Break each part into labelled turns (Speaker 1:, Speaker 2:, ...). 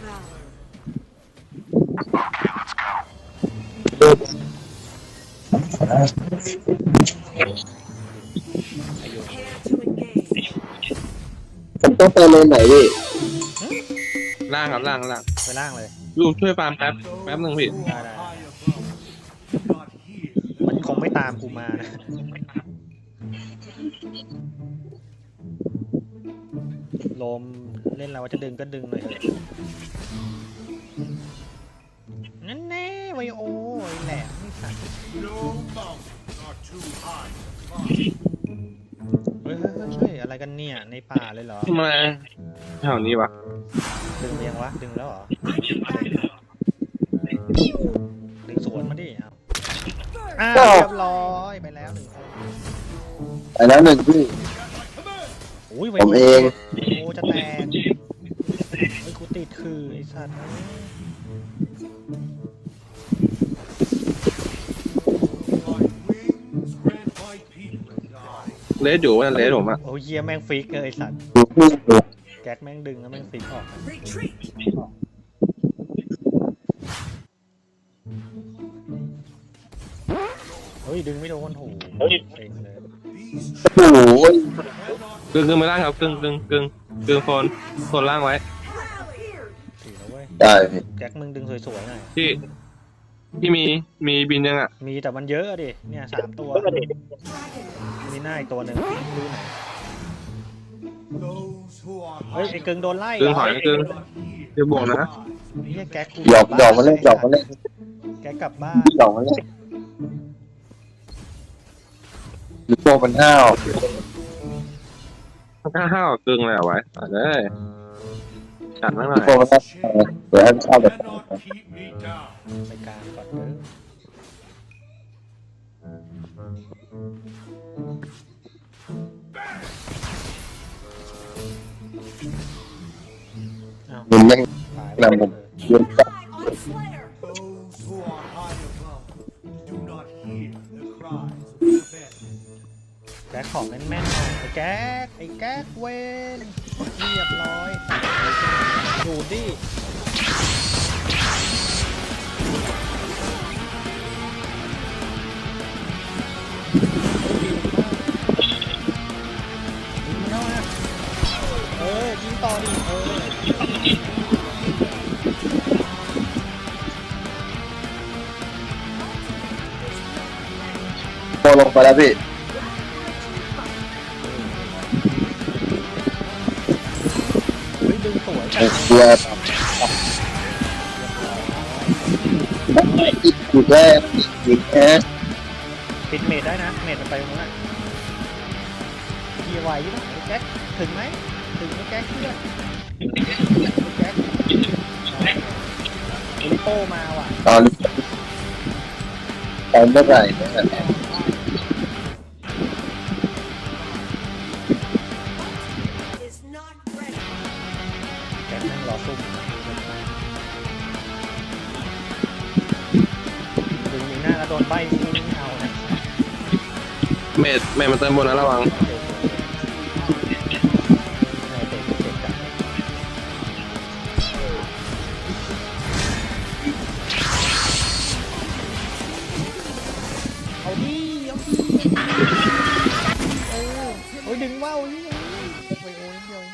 Speaker 1: ผมต้องไปเลนไหนพี่
Speaker 2: ล่างครับล่าง
Speaker 3: ไปล่างเลย
Speaker 2: ลูกช่วยฟาร์มแป๊บหนึ่งพี่
Speaker 3: ได้มันคงไม่ตามกูมานะโลมเล่นเราจะดึงก็ดึงหน่อยเถอะนั่นแน่ไวโอแหลมนี่สัตว์เฮ้ยอะไรกันเนี่ยในป่าเลยเหรอ
Speaker 2: ทำไมแถวนี้วะ
Speaker 3: ดึงเรียงวะดึงแล้วเหรอดึงสวนมาดิเอาเรียบร้อยไปแล้ว1 คน
Speaker 1: ไปแล้ว1พี่ผมเอง
Speaker 3: โอ้จะแตกไอ้กูติดคือไอ้สัตว์
Speaker 2: เลสอยู่ว่าเลสผมอะ
Speaker 3: โอ้ยเยี่ยแม่งฟิกเลยไอ้สัตว์แก๊กแม่งดึงแล้วแม่งฟิกออกเฮ้ยดึงไม่โดนโหเซ็งเลย
Speaker 1: โอ้โห
Speaker 2: กึ่งไม่ล่างครับกึ่งโซนล่างไว้
Speaker 3: ถือแล้วเว้ย
Speaker 1: ได้พี่
Speaker 3: แก๊กมึงดึงสวยๆหน่อย
Speaker 2: ที่มีบินยังอ่ะ
Speaker 3: มีแต่มันเยอะดิเนี่ย3 ตัวมีหน้าอีกตัวหนึ่งดูไหนเฮ้ยไอ้กึ่งโดนไล่
Speaker 2: กึ่งถอยกึ่งเดี๋ยวบวกนะ
Speaker 3: นี่แก๊ก
Speaker 1: หยอกมาเล่น
Speaker 3: แก๊กกลับบ้าน
Speaker 1: หยอกมาเล่นยูโตมันห้าว
Speaker 2: กึ่งเลยเอาไว้เลยฉันไม่หน่อย
Speaker 1: ยูโตมันห้าวเดี๋ยวให้มันเข้าแบบ
Speaker 3: ไปกลางก่อนเด้อ
Speaker 1: มันยังนำผมยืนจับ
Speaker 3: แก๊กของแม่นๆไอ้แก๊กเวนเรียบร้อยดูดิยิงต่อดิ
Speaker 1: โตลงไปแล้วพี่
Speaker 3: ดึงสวย
Speaker 1: ตัวอีกแล้วอีกแค่
Speaker 3: ปิดเมดได้นะเมดมันไปตรงนั้นเกียร์ไวใช่ไหมแจ็คถึงไหมถึงไหมแจ็คเพื่อนแจ็คลิโป้มาว่ะ
Speaker 1: ตอนเมื่อไหร่เนี่ย
Speaker 3: แจ็คนั่งรอซุ่มดึงมีหน้าแล้วโดนใบไม่เอานะ
Speaker 2: เมดมันเติมบนนะระวัง
Speaker 3: เอาดิโอ้ยดึงว่าวนี่ไปโอ้ยเดียว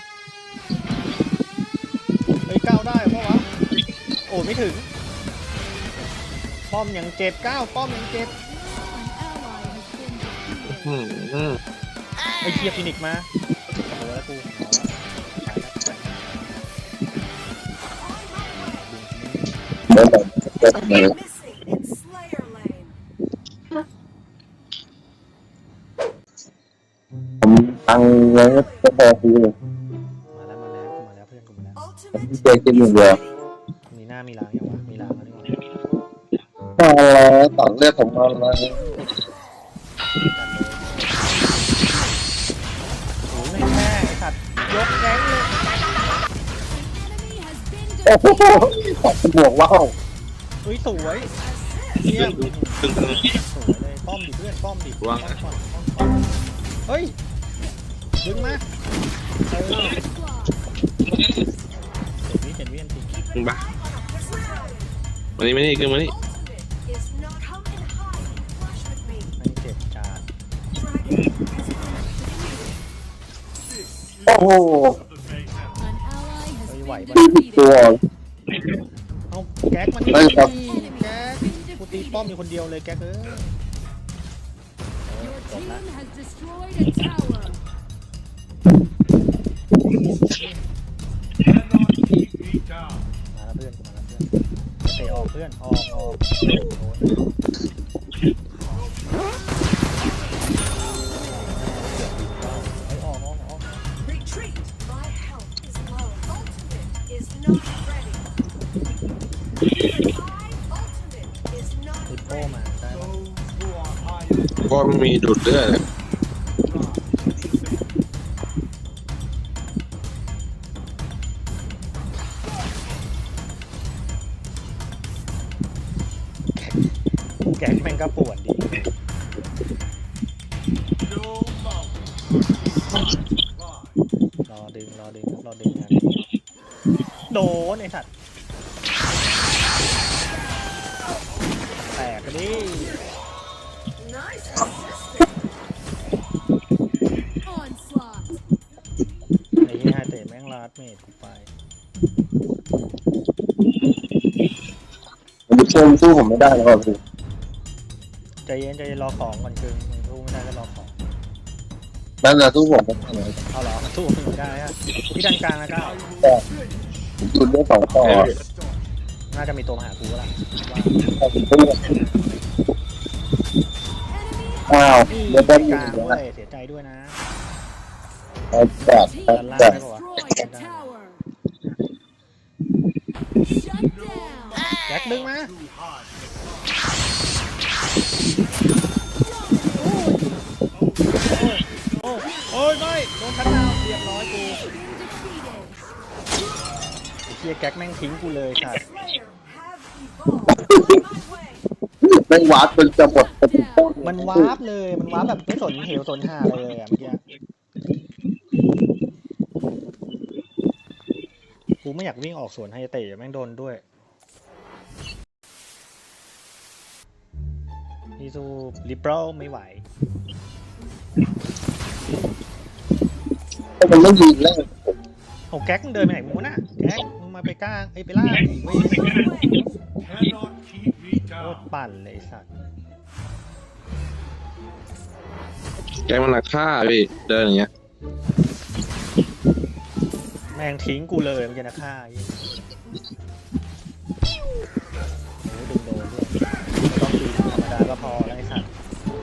Speaker 3: เฮ้ยก้าวได้เพราะวะโอ้ไม่ถึงป้อมยังเจ็บก้าวป้อมยังเจ็บไอ้เคียฟินิกมาโอ้แล้วกู
Speaker 1: ผมตังเงินก็พอซื้อเลย
Speaker 3: มาแล้วเพื่อนกูมาแล้ว
Speaker 1: เจอกิน1 เดียว
Speaker 3: มีหน้ามีหลังยังวะมีหลังแล้วนี่
Speaker 1: วะอะไรต่อเลือดผมอะไร
Speaker 3: โอ้ยแม่ไอ้สัตว์ยกแก๊งเลย
Speaker 1: โอ้โหขอบคุณบวกว้าว
Speaker 3: เฮ้ยสวยเยี่ยมสวยเลยป้อมดิเพื่อนป้อมดิป้อมเฮ้ยดึงมาเจ็ดวิจริง
Speaker 2: มึงบ้ามานี่กึ่งมานี่
Speaker 3: ไม่เจ็บจาน
Speaker 1: โอ้โห
Speaker 3: เฮ้ยไหวปะ
Speaker 1: ตัว
Speaker 3: เอาแก๊กมันนี่
Speaker 1: ไม่ครับ
Speaker 3: แก๊กกูตีป้อมอยู่คนเดียวเลยแก๊กจบละ มาแล้วเพื่อนมาแล้วเพื่อนเตะออกเพื่อนออกโอ้ยออก
Speaker 4: Retreat! My health is low. Ultimate is not ready. My ultimate is not
Speaker 3: ติดโป้
Speaker 4: ready.
Speaker 3: มาได้ปะ
Speaker 2: ก็มีดูดเลือด
Speaker 3: แก๊กแม่งก็ปวดดีรอดึงงานโดนไอ้สัตว์แตกกันดิ
Speaker 4: Nice.
Speaker 3: ไอ้เหี้ยเตะแม่งลาดเมดกูไป
Speaker 1: ผมชมสู้ผมไม่ได้แล้วครับพี่
Speaker 3: ใจเย็นรอของก่อนคือมึงสู้ไม่ได้ก็รอของ
Speaker 1: นั่นแหละสู้ผมไม่ได้เลย
Speaker 3: เอาเหรอสู้มึงไม่ได้ฮะพี่ดันกลางนะก้าว
Speaker 1: แต่ผมจุดเรื่องสองต่อ
Speaker 3: น่าจะมีตัวมาหากูแล้วล่ะว่า
Speaker 1: ผมสู้อ้าวเดี๋ยว
Speaker 3: ก
Speaker 1: ได้
Speaker 3: ลาง
Speaker 1: ยิน
Speaker 3: ด้ว
Speaker 1: นะ
Speaker 3: ยเสียใจด้วยนะ
Speaker 1: จัด
Speaker 3: ด้านล่าง
Speaker 1: จัด
Speaker 3: ได้ปะวะแจ็คดึงมาโอ้ยไม่โดนชัดดาวน์เรียบร้อยกูไอ้เฮียแก๊กแม่งทิ้งกูเลยค่ะ
Speaker 4: Slayer have evolved. On my way.
Speaker 1: ไม่งวัดจนจะหมดกระตุกต้น
Speaker 3: มันวาร์ปเลยมันวาร์ปแบบไม่สนเหวสนหาเลยอ่ะเมื่อกี้กูไม่อยากวิ่งออกสวนไฮเตะแม่งโดนด้วยพี่สู้ลิเบรลไม่ไหว
Speaker 1: มันไม่ยิงแล้ว
Speaker 3: โอ้แก๊กมึงเดินไปไหนมึงวะน่ะแก๊กมึงมาไปกลางไอ้ยไปล่างอีกเว้ย
Speaker 5: Cannot keep me
Speaker 3: โคตร
Speaker 5: down.
Speaker 3: ปั่นเลยไอ้สัตว์
Speaker 2: แกมันหนักฆ่าพี่เดินอย่างเงี้ย
Speaker 3: แม่งทิ้งกูเลยมันจะนะฆ่าไอ้โอ้ยดึงโดนด้วยไม่ต้องตีธรรมดาก็พอแล้วไอ้สัตว์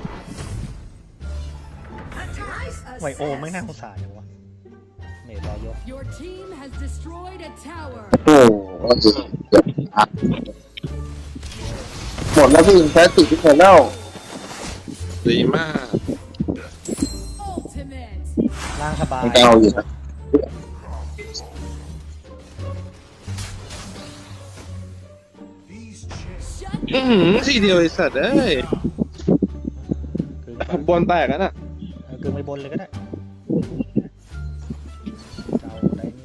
Speaker 4: Nice
Speaker 3: ไวโอ
Speaker 4: assist.
Speaker 3: ไม่น่าสงสารอย่างวะเมดรอยก
Speaker 6: Your team has destroyed a tower.
Speaker 1: โอ้โหเกือบอัดหมดแล้วพี่แพ้ติดที่หมดแล้ว
Speaker 2: ดีมาก
Speaker 6: Ultimate.
Speaker 3: ล่างสบาย
Speaker 1: มันก็เอาอยู่นะ
Speaker 5: These chairs
Speaker 2: ทีเดียวไอ้สัตว์เอ้ย
Speaker 3: กึ่ง
Speaker 2: บอลแตกกันอ่ะ
Speaker 3: กึ่งไปบนเลยก็ได้เจ้าไหนนี่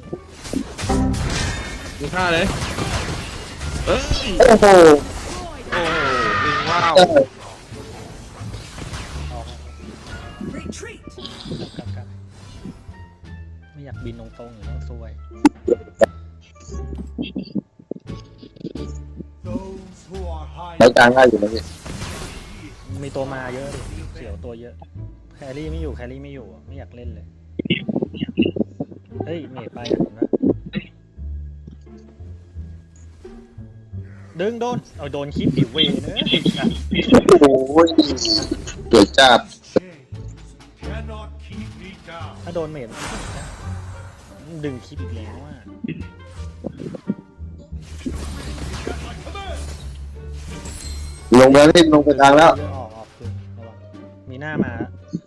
Speaker 2: มึงฆ่าเลยเอ้ย
Speaker 1: โอ้โห
Speaker 2: โอ้ยิงว้าว
Speaker 1: เออ
Speaker 3: ออก
Speaker 4: Retreat.
Speaker 3: กันไม่อยากบินตรงๆอยู่ต้องซวย
Speaker 5: those who are
Speaker 1: ใช้
Speaker 5: high
Speaker 1: กลางง่ายอยู่นะพี่
Speaker 3: มีตัวมาเยอะดิเสียวตัวเยอะแครี่ไม่อยู่อะไม่อยากเล่นเลยเฮ้ยเมดไปอ่ะนะดึงโดนเอาโดนคลิปดิเวเนอะ
Speaker 1: โอ้ยเกิดจัด
Speaker 5: chains cannot keep me down.
Speaker 3: ถ้าโดนเมดดึงคลิปอีกแล้วอ่ะ
Speaker 1: ลงแล้วพี่ลงไปกลางแล้ว
Speaker 3: ออกคือระวังมีหน้ามา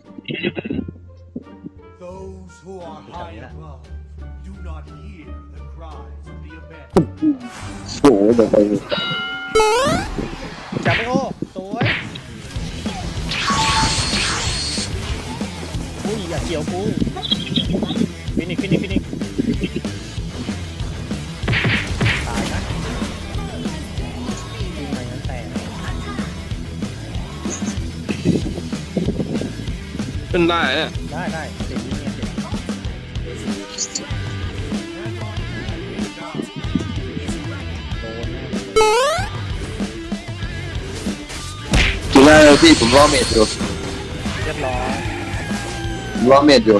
Speaker 5: Those who are high
Speaker 3: Yeah.
Speaker 5: above do not hear the cries of the abyss.
Speaker 1: โอ้โหเดี๋ยวไป
Speaker 3: จับไปโอ้สวยอุ้ยอย่าเกี่ยวกูฟินิกตายนะ
Speaker 2: ขึ้นได้เนี่ย
Speaker 3: ได้เด็กยิงเนี่ยเด็กโดนแน่เลย
Speaker 1: จุฬาเลยพี่ผมรอเมดอยู่
Speaker 3: เรียบร้อย
Speaker 1: ผมรอเมดอยู่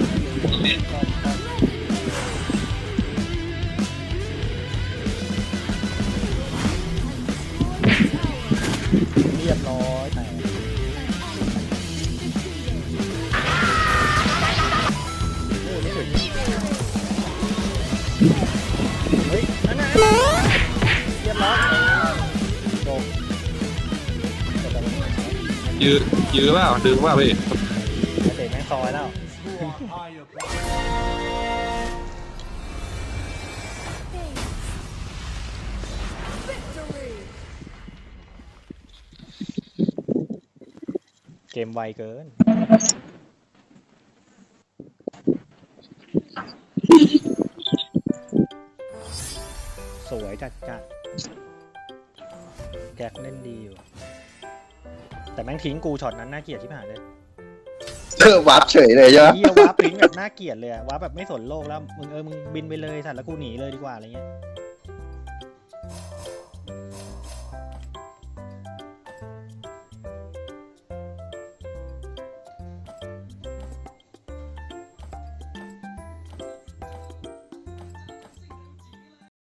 Speaker 3: เรียบร้อยแต่โอ้ไม่ถึงเฮ้ยนั่นน่ะเรียบร้อยจบแต่มัน
Speaker 2: ยื้อเปล่าดึงเปล่าพี่
Speaker 3: เด็กแม่งซอยแล้ว
Speaker 5: You are high above.
Speaker 3: เกมไวเกิน สวยจัดแจ็คเล่นดีอยู่ แต่แม่งทิ้งกูช็อตนั้นน่าเกลียดชิบหายเลย
Speaker 1: วับเฉยเลยใช่ไหม
Speaker 3: เฮียว้าปริ้งแบบน่าเกลียดเลยอะว้าแบบไม่สนโลกแล้วมึงบินไปเลยสัตว์แล้วกูหนีเลยดีกว่าอะไรเงี้ย